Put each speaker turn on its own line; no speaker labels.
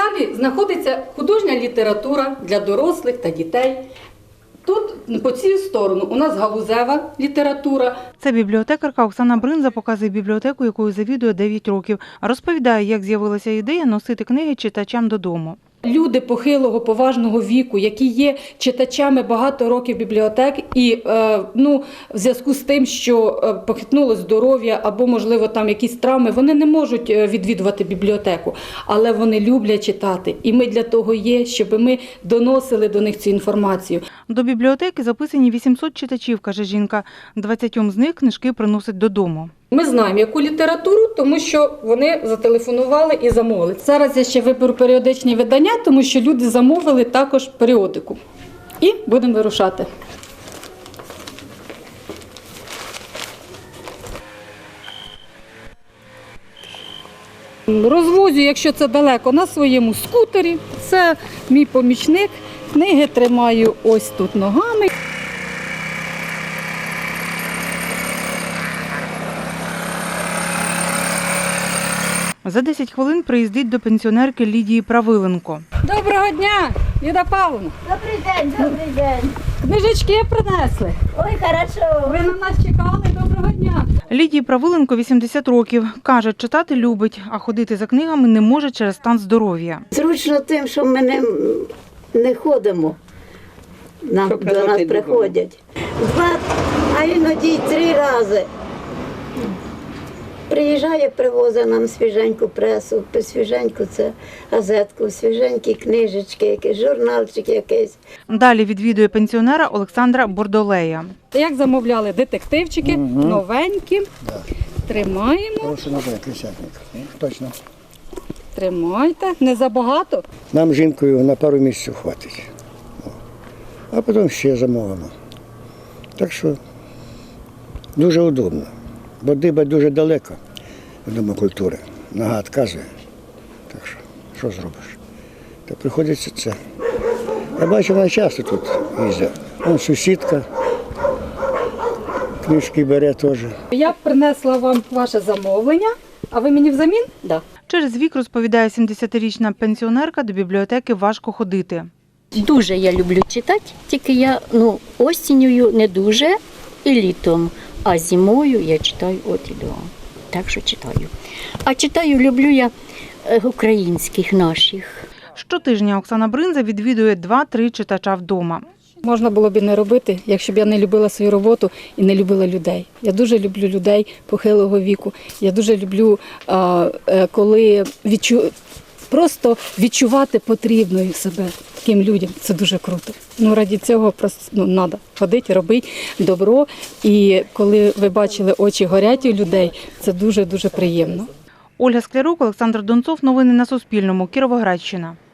залі знаходиться художня література для дорослих та дітей. Тут, по цю сторону, у нас галузева література.
Це бібліотекарка Оксана Бринза показує бібліотеку, якою завідує 9 років. Розповідає, як з'явилася ідея носити книги читачам додому.
Люди похилого, поважного віку, які є читачами багато років бібліотек і в зв'язку з тим, що похитнуло здоров'я або, можливо, там якісь травми, вони не можуть відвідувати бібліотеку, але вони люблять читати. І ми для того є, щоб ми доносили до них цю інформацію.
До бібліотеки записані 800 читачів, каже жінка. 20 з них книжки приносять додому.
Ми знаємо, яку літературу, тому що вони зателефонували і замовили. Зараз я ще виберу періодичні видання, тому що люди замовили також періодику. І будемо вирушати. Розвозю, якщо це далеко, на своєму скутері. Це мій помічник. Книги тримаю ось тут ногами.
За 10 хвилин приїздить до пенсіонерки Лідії Правиленко.
Доброго дня, Ліда Павловна.
Добрий день, добрий день.
Книжечки принесли.
Ой, хорошо.
Ви на нас чекали, доброго дня.
Лідії Правиленко 80 років. Каже, читати любить, а ходити за книгами не може через стан здоров'я.
Зручно тим, що ми не ходимо. До нас приходять. 2, а іноді й 3 рази. Приїжджає, привозить нам свіженьку пресу, свіженьку це газетку, свіженькі книжечки, якийсь журналчик якийсь.
Далі відвідує пенсіонера Олександра Бордолея.
Як замовляли детективчики, новенькі. Тримаємо.
Хороший набір, крисятник. Точно.
Тримайте. Не забагато.
Нам жінкою на пару місяців хватить. А потім ще замовимо. Так що дуже удобно. Бо диба дуже далеко від Дому культури. Нога відказує. Так що зробиш? Та приходиться це. Я бачу, вона часто тут їздить. Вон сусідка, книжки бере теж.
Я принесла вам ваше замовлення, а ви мені взамін? Так.
Через вік, розповідає 70-річна пенсіонерка, до бібліотеки важко ходити.
Дуже я люблю читати, тільки я осінню не дуже і літом, а зимою я читаю от і до. Так що читаю. А читаю люблю я українських наших.
Щотижня Оксана Бринза відвідує 2-3 читача вдома.
Можна було б і не робити, якщо б я не любила свою роботу і не любила людей. Я дуже люблю людей похилого віку. Я дуже люблю, коли просто відчувати потрібною себе таким людям. Це дуже круто. Раді цього просто треба ходити, робити добро. І коли ви бачили, очі горять у людей, це дуже-дуже приємно.
Ольга Склярук, Олександр Донцов. Новини на Суспільному. Кіровоградщина.